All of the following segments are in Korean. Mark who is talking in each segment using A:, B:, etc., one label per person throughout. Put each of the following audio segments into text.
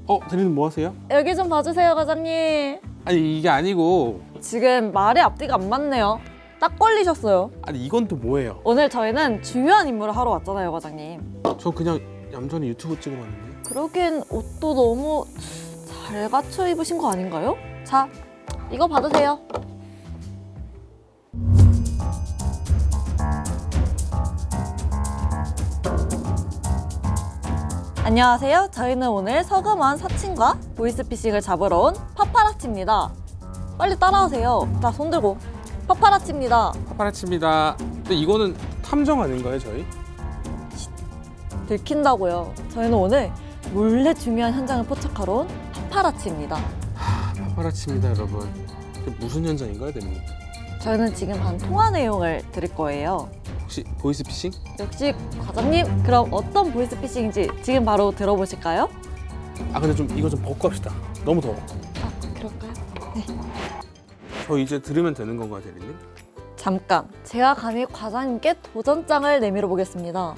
A: 대리님 뭐 하세요?
B: 여기 좀 봐주세요, 과장님.
A: 아니 이게 아니고.
B: 지금 말이 앞뒤가 안 맞네요. 딱 걸리셨어요.
A: 아니 이건 또 뭐예요?
B: 오늘 저희는 중요한 임무를 하러 왔잖아요, 과장님.
A: 전 그냥 얌전히 유튜브 찍어봤는데.
B: 그러기엔 옷도 너무 잘 갖춰 입으신 거 아닌가요? 자, 이거 받으세요. 안녕하세요. 저희는 오늘 서금원 사칭과 보이스피싱을 잡으러 온 파파라치입니다. 빨리 따라오세요. 자, 손 들고. 파파라치입니다.
A: 파파라치입니다. 근데 이거는 탐정 아닌가요, 저희?
B: 들킨다고요. 저희는 오늘 몰래 중요한 현장을 포착하러 온 파파라치입니다.
A: 파파라치입니다, 여러분. 이게 무슨 현장인가요, 대리님?
B: 저희는 지금 한 통화 내용을 드릴 거예요.
A: 혹시 보이스피싱?
B: 역시 과장님, 그럼 어떤 보이스피싱인지 지금 바로 들어보실까요?
A: 근데 좀 이거 좀 벗고 합시다. 너무 더워.
B: 그럴까요?
A: 저 이제 들으면 되는 건가요, 대리님?
B: 잠깐, 제가 감히 과장님께 도전장을 내밀어 보겠습니다.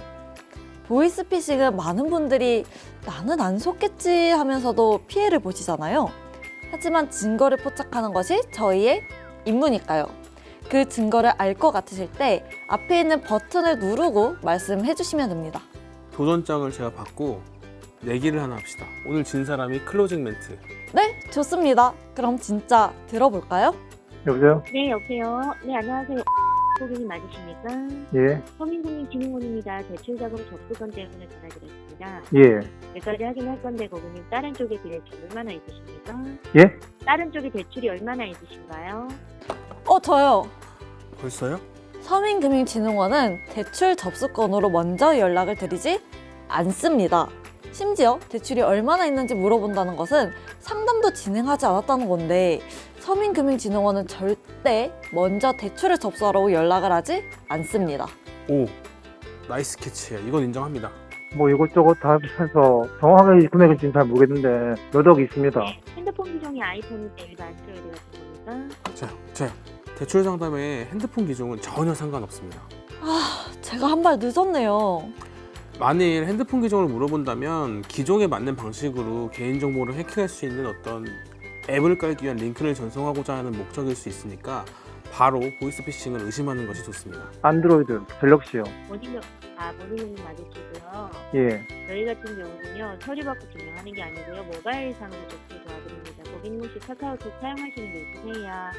B: 보이스피싱은 많은 분들이 나는 안 속겠지 하면서도 피해를 보시잖아요. 하지만 증거를 포착하는 것이 저희의 임무니까요. 그 증거를 알 것 같으실 때 앞에 있는 버튼을 누르고 말씀해 주시면 됩니다.
A: 도전장을 제가 받고 내기를 하나 합시다. 오늘 진 사람이 클로징 멘트.
B: 네, 좋습니다. 그럼 진짜 들어볼까요?
C: 여보세요?
D: 네, 여보세요. 네, 안녕하세요. 고객님 맞으십니까?
C: 예,
D: 서민금융진흥원입니다. 대출자금 접수건 때문에 전화드렸습니다.
C: 예,
D: 몇 가지 확인할 건데 고객님 다른 쪽에 대출이 얼마나 있으십니까?
C: 예?
D: 다른 쪽에 대출이 얼마나 있으신가요?
B: 저요.
A: 벌써요?
B: 서민금융진흥원은 대출 접수건으로 먼저 연락을 드리지 않습니다. 심지어 대출이 얼마나 있는지 물어본다는 것은 상담도 진행하지 않았다는 건데 서민금융진흥원은 절대 먼저 대출을 접수하라고 연락을 하지 않습니다.
A: 오, 나이스 캐치예요. 이건 인정합니다.
C: 뭐 이것저것 다 해서 정확하게 금액은 지금 잘 모르겠는데 몇 억이 있습니다.
D: 핸드폰 기종이 아이폰인데 일반 안드로이드 같은 겁니까?
A: 저요. 대출 상담에 핸드폰 기종은 전혀 상관없습니다.
B: 제가 한 발 늦었네요.
A: 만일 핸드폰 기종을 물어본다면 기종에 맞는 방식으로 개인정보를 해킹할 수 있는 어떤 앱을 깔기 위한 링크를 전송하고자 하는 목적일 수 있으니까 바로 보이스피싱을 의심하는 것이 좋습니다.
C: 안드로이드, 갤럭시요.
D: 모니님 맞으시고요.
C: 예,
D: 저희 같은 경우는요, 서류 받고 진행하는 게 아니고요, 모바일상으로 접수 도와드립니다. 고객님 혹시 카카오톡 사용하시는 게 있으세요?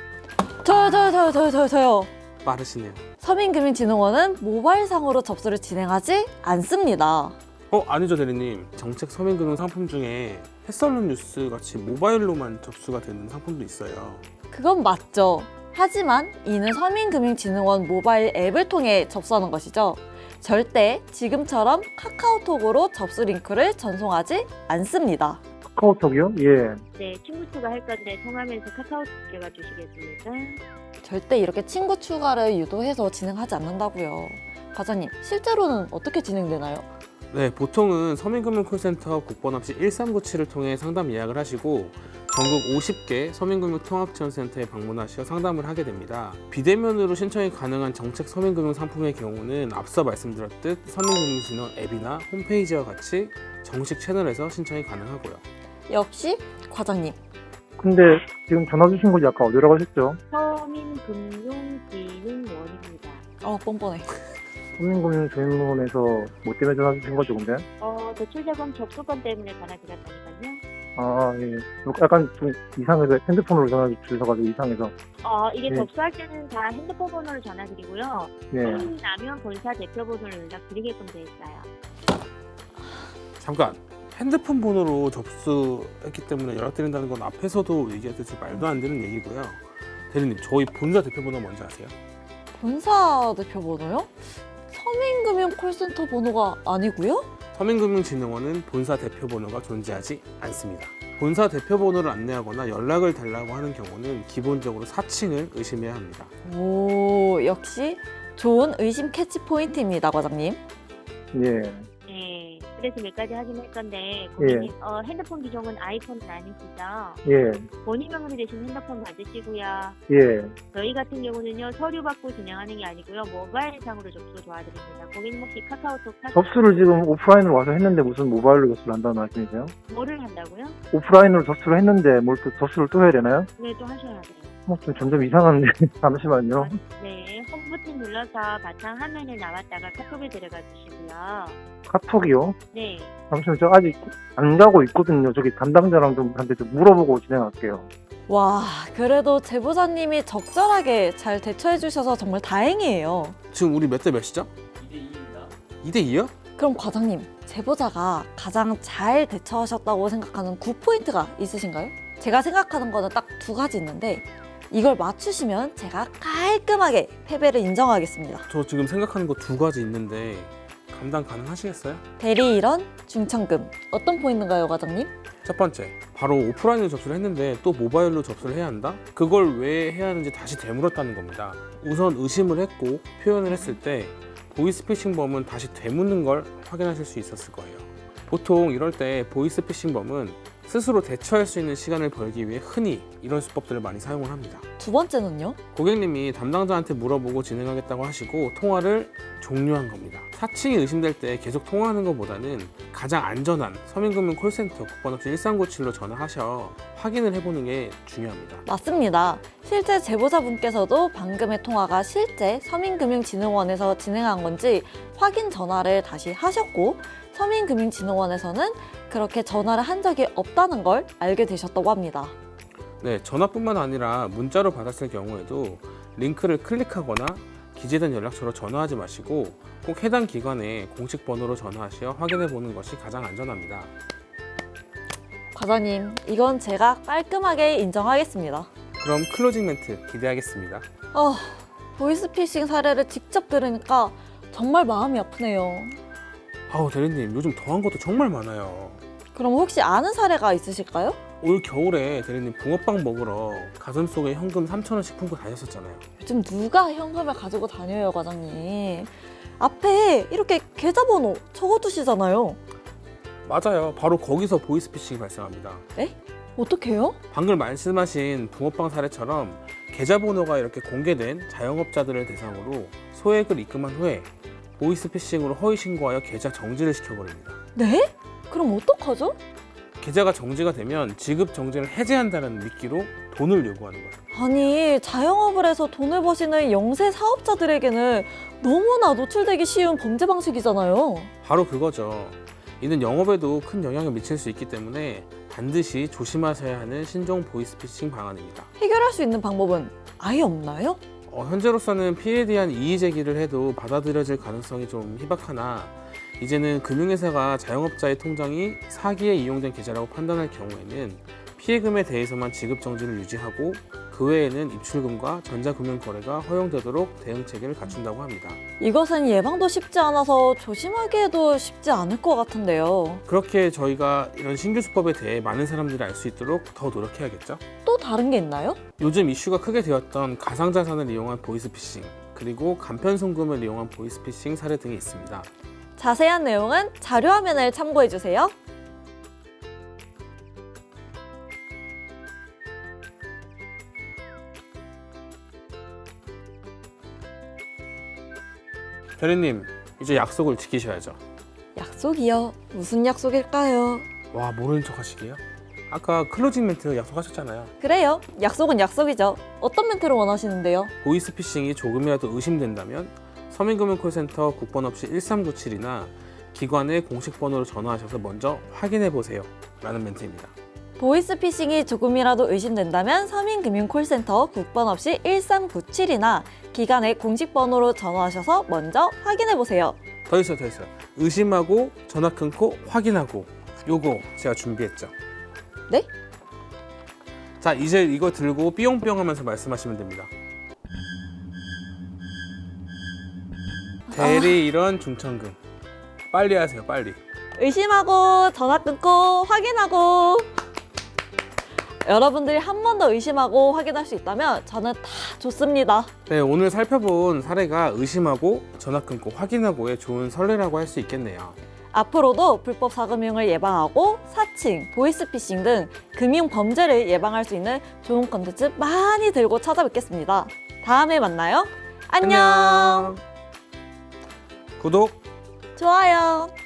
B: 저요.
A: 빠르시네요.
B: 서민금융진흥원은 모바일상으로 접수를 진행하지 않습니다.
A: 아니죠, 대리님. 정책 서민금융 상품 중에 해썰룬 뉴스 같이 모바일로만 접수가 되는 상품도 있어요.
B: 그건 맞죠. 하지만 이는 서민금융진흥원 모바일 앱을 통해 접수하는 것이죠. 절대 지금처럼 카카오톡으로 접수 링크를 전송하지 않습니다.
C: 카카오톡이요? 예,
D: 네, 친구 추가할 건데 통화면서 카카오톡 들어가 주시겠습니까?
B: 절대 이렇게 친구 추가를 유도해서 진행하지 않는다고요. 과장님, 실제로는 어떻게 진행되나요?
A: 네, 보통은 서민금융콜센터 국번 없이 1397을 통해 상담 예약을 하시고 전국 50개 서민금융통합지원센터에 방문하셔 상담을 하게 됩니다. 비대면으로 신청이 가능한 정책 서민금융 상품의 경우는 앞서 말씀드렸듯 서민금융진흥 앱이나 홈페이지와 같이 정식 채널에서 신청이 가능하고요.
B: 역시 과장님.
C: 근데 지금 전화 주신 곳이 아까 어디라고 하셨죠?
D: 서민금융진흥원입니다.
B: 뻔뻔해.
C: 서민금융진흥원에서 뭐 때문에 전화 주신 거죠, 근데?
D: 대출자금 접수건 때문에 전화드렸다니까요.
C: 예. 약간 좀 이상해서 핸드폰으로 전화 주셔가지고 이상해서.
D: 이게
C: 네.
D: 접수할 때는 다 핸드폰 번호를 전화드리고요.
C: 예.
D: 손님이 나면 본사 대표 번호를 연락드리게끔 돼 있어요.
A: 잠깐! 핸드폰 번호로 접수했기 때문에 연락드린다는 건 앞에서도 얘기했듯이 말도 안 되는 얘기고요. 대리님, 저희 본사 대표 번호 뭔지 아세요?
B: 본사 대표 번호요? 서민금융 콜센터 번호가 아니고요?
A: 서민금융진흥원은 본사 대표 번호가 존재하지 않습니다. 본사 대표 번호를 안내하거나 연락을 달라고 하는 경우는 기본적으로 사칭을 의심해야 합니다.
B: 오, 역시 좋은 의심 캐치 포인트입니다, 과장님.
C: 예.
D: 네. 그래서 몇 가지 확인할 건데 고객님 핸드폰 기종은 아이폰은 아니시죠?
C: 예,
D: 본인 명의로 되신 핸드폰 맞으시고요.
C: 예.
D: 저희 같은 경우는요 서류 받고 진행하는 게 아니고요 모바일상으로 접수 도와드립니다. 고객님 혹시 카카오톡
C: 접수를 지금 오프라인으로 와서 했는데 무슨 모바일로 접수를 한다는 말씀이세요?
D: 뭐를 한다고요?
C: 오프라인으로 접수를 했는데 뭘 또 접수를 또 해야 되나요?
D: 네, 또 하셔야 돼요.
C: 좀 점점 이상한데 잠시만요.
D: 네, 홈 버튼 눌러서 바탕 화면에 나왔다가 카톡에 들어가 주시고요.
C: 카톡이요?
D: 네,
C: 잠시만 저 아직 안 가고 있거든요. 저기 담당자랑 좀 한테 좀 물어보고 진행할게요.
B: 와, 그래도 제보자님이 적절하게 잘 대처해 주셔서 정말 다행이에요.
A: 지금 우리 몇 대 몇이죠? 2대 2요?
B: 그럼 과장님, 제보자가 가장 잘 대처하셨다고 생각하는 굿포인트가 있으신가요? 제가 생각하는 거는 딱 두 가지 있는데 이걸 맞추시면 제가 깔끔하게 패배를 인정하겠습니다.
A: 저 지금 생각하는 거 두 가지 있는데 감당 가능하시겠어요?
B: 대리 일원, 중천금. 어떤 포인트인가요, 과장님?
A: 첫 번째, 바로 오프라인으로 접수를 했는데 또 모바일로 접수를 해야 한다? 그걸 왜 해야 하는지 다시 되물었다는 겁니다. 우선 의심을 했고 표현을 했을 때 보이스피싱범은 다시 되묻는 걸 확인하실 수 있었을 거예요. 보통 이럴 때 보이스피싱범은 스스로 대처할 수 있는 시간을 벌기 위해 흔히 이런 수법들을 많이 사용을 합니다.
B: 두 번째는요?
A: 고객님이 담당자한테 물어보고 진행하겠다고 하시고 통화를 종료한 겁니다. 사칭이 의심될 때 계속 통화하는 것보다는 가장 안전한 서민금융 콜센터 국번없이 1397로 전화하셔 확인을 해보는 게 중요합니다.
B: 맞습니다. 실제 제보자분께서도 방금의 통화가 실제 서민금융진흥원에서 진행한 건지 확인 전화를 다시 하셨고 서민금융진흥원에서는 그렇게 전화를 한 적이 없다는 걸 알게 되셨다고 합니다.
A: 네, 전화뿐만 아니라 문자로 받았을 경우에도 링크를 클릭하거나 기재된 연락처로 전화하지 마시고 꼭 해당 기관에 공식 번호로 전화하시어 확인해 보는 것이 가장 안전합니다.
B: 과장님, 이건 제가 깔끔하게 인정하겠습니다.
A: 그럼 클로징 멘트 기대하겠습니다.
B: 보이스피싱 사례를 직접 들으니까 정말 마음이 아프네요.
A: 아우 대리님, 요즘 더한 것도 정말 많아요.
B: 그럼 혹시 아는 사례가 있으실까요?
A: 올 겨울에 대리님 붕어빵 먹으러 가슴속에 현금 3,000원씩 품고 다녔었잖아요.
B: 요즘 누가 현금을 가지고 다녀요, 과장님? 앞에 이렇게 계좌번호 적어두시잖아요.
A: 맞아요. 바로 거기서 보이스피싱이 발생합니다.
B: 어떡해요?
A: 방금 말씀하신 붕어빵 사례처럼 계좌번호가 이렇게 공개된 자영업자들을 대상으로 소액을 입금한 후에 보이스피싱으로 허위 신고하여 계좌 정지를 시켜버립니다.
B: 네? 그럼 어떡하죠?
A: 계좌가 정지가 되면 지급 정지를 해제한다는 미끼로 돈을 요구하는 거예요.
B: 아니, 자영업을 해서 돈을 버시는 영세 사업자들에게는 너무나 노출되기 쉬운 범죄 방식이잖아요.
A: 바로 그거죠. 이는 영업에도 큰 영향을 미칠 수 있기 때문에 반드시 조심하셔야 하는 신종 보이스피싱 방안입니다.
B: 해결할 수 있는 방법은 아예 없나요?
A: 현재로서는 피해에 대한 이의 제기를 해도 받아들여질 가능성이 좀 희박하나 이제는 금융회사가 자영업자의 통장이 사기에 이용된 계좌라고 판단할 경우에는 피해금에 대해서만 지급 정지를 유지하고 그 외에는 입출금과 전자금융거래가 허용되도록 대응 체계를 갖춘다고 합니다.
B: 이것은 예방도 쉽지 않아서 조심하기에도 쉽지 않을 것 같은데요.
A: 그렇게 저희가 이런 신규 수법에 대해 많은 사람들이 알 수 있도록 더 노력해야겠죠?
B: 또 다른 게 있나요?
A: 요즘 이슈가 크게 되었던 가상자산을 이용한 보이스피싱, 그리고 간편송금을 이용한 보이스피싱 사례 등이 있습니다.
B: 자세한 내용은 자료화면을 참고해주세요.
A: 대리님, 이제 약속을 지키셔야죠.
B: 약속이요? 무슨 약속일까요?
A: 와, 모르는 척 하시게요? 아까 클로징 멘트 약속하셨잖아요.
B: 그래요. 약속은 약속이죠. 어떤 멘트를 원하시는데요?
A: 보이스피싱이 조금이라도 의심된다면 서민금융콜센터 국번 없이 1397이나 기관의 공식 번호로 전화하셔서 먼저 확인해 보세요 라는 멘트입니다.
B: 보이스피싱이 조금이라도 의심된다면 서민금융콜센터 국번 없이 1397이나 기관의 공식 번호로 전화하셔서 먼저 확인해보세요.
A: 더 있어요. 의심하고 전화 끊고 확인하고, 요거 제가 준비했죠.
B: 네?
A: 자, 이제 이거 들고 삐용삐용 하면서 말씀하시면 됩니다. 대리 일원 중천금 빨리 하세요. 빨리.
B: 의심하고 전화 끊고 확인하고. 여러분들이 한 번 더 의심하고 확인할 수 있다면 저는 다 좋습니다.
A: 네, 오늘 살펴본 사례가 의심하고 전화 끊고 확인하고의 좋은 선례라고 할 수 있겠네요.
B: 앞으로도 불법 자금융을 예방하고 사칭, 보이스피싱 등 금융 범죄를 예방할 수 있는 좋은 컨텐츠 많이 들고 찾아뵙겠습니다. 다음에 만나요. 안녕.
A: 구독!
B: 좋아요.